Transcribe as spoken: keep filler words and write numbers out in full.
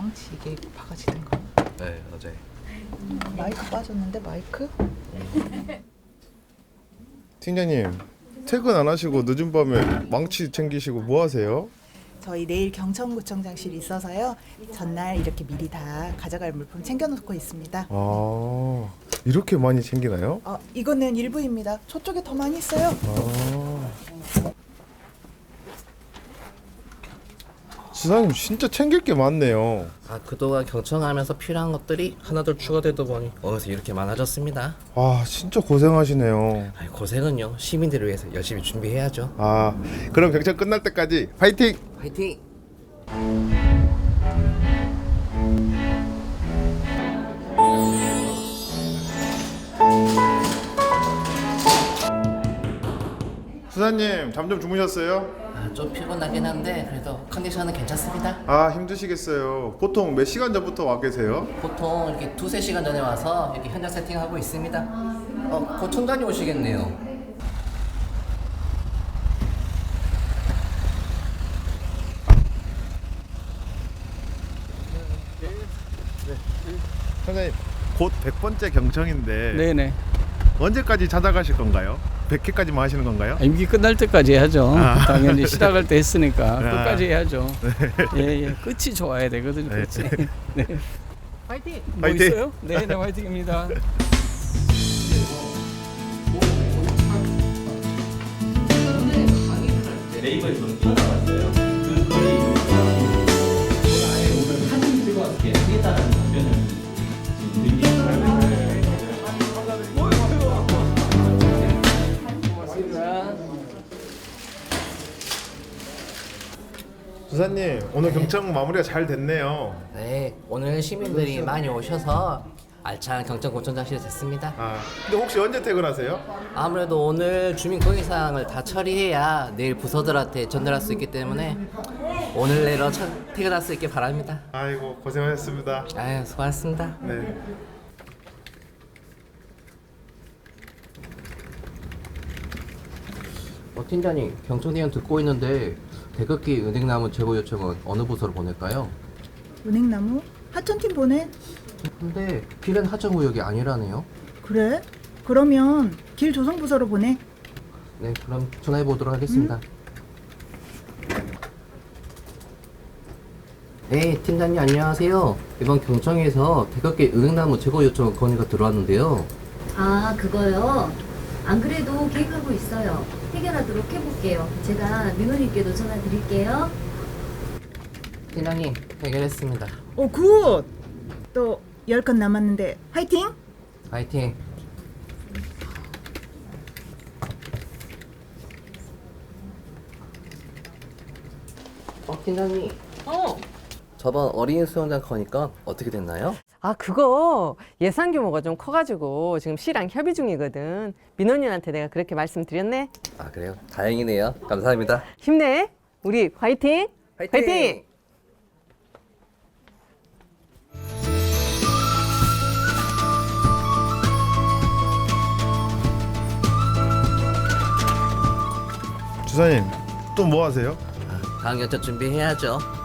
망치 이게 바가지는 거. 네, 어제. 음, 마이크 빠졌는데 마이크? 팀장님 퇴근 안 하시고 늦은 밤에 망치 챙기시고 뭐 하세요? 저희 내일 경천구청장실이 있어서요. 전날 이렇게 미리 다 가져갈 물품 챙겨놓고 있습니다. 아 이렇게 많이 챙기나요? 어, 이거는 일부입니다. 저쪽에 더 많이 있어요. 아 지사님 진짜 챙길 게 많네요. 아, 그동안 경청하면서 필요한 것들이 하나둘 추가되다 보니 어느새 이렇게 많아졌습니다. 아 진짜 고생하시네요. 아이, 고생은요. 시민들을 위해서 열심히 준비해야죠. 아 그럼 경찰 끝날 때까지 파이팅! 화이팅! 수사님 잠 좀 주무셨어요? 아, 좀 피곤하긴 한데 그래도 컨디션은 괜찮습니다. 아 힘드시겠어요. 보통 몇 시간 전부터 와 계세요? 보통 이렇게 두세 시간 전에 와서 이렇게 현장 세팅하고 있습니다. 어, 곧 총장이 오시겠네요. 선생님 곧 백 번째 경청인데 네네. 언제까지 찾아가실 건가요? 백 회까지만 하시는 건가요? 임기 끝날 때까지 해야죠. 아. 당연히 시작할 때 했으니까 아. 끝까지 해야죠. 예예. 끝이 좋아야 되거든요. 네. 끝이. 네. 화이팅. 뭐 화이팅! 있어요? 네네 화이팅입니다. 네이버에서 튀어나왔어요. 그 거리 제가 아예 오늘 사진 찍어서 하겠다는 답변을 지금 드리겠습니다. 수사님 오늘 경청 마무리가 잘 됐네요. 네, 오늘 시민들이 많이 오셔서 알찬 경청구청장실이 됐습니다. 아 근데 혹시 언제 퇴근하세요? 아무래도 오늘 주민 건의사항을 다 처리해야 내일 부서들한테 전달할 수 있기 때문에 오늘 내로 차- 퇴근할 수 있길 바랍니다. 아이고 고생하셨습니다. 아유, 수고하셨습니다. 네. 어, 팀장님, 경청대원 듣고 있는데 태극기 은행나무 제보 요청은 어느 부서로 보낼까요? 은행나무? 하천팀 보내? 근데 길은 하정구역이 아니라네요. 그래? 그러면 길조성부서로 보내. 네, 그럼 전화해 보도록 하겠습니다. 네, 팀장님 안녕하세요. 이번 경청에서 태극기 은행나무 제거 요청 건의가 들어왔는데요. 아, 그거요? 안 그래도 계획하고 있어요. 해결하도록 해볼게요. 제가 민호님께도 전화 드릴게요. 팀장님 해결했습니다. 오 굿! 또 열 건 남았는데 화이팅! 파이팅. 어, 팀장님. 어. 저번 어린이 수영장 거니까 어떻게 됐나요? 아, 그거 예산 규모가 좀 커가지고 지금 시랑 협의 중이거든. 민원인한테 내가 그렇게 말씀드렸네. 아, 그래요? 다행이네요. 감사합니다. 힘내. 우리 화이팅! 화이팅! 주사님 또 뭐 하세요? 다음 연차 준비해야죠.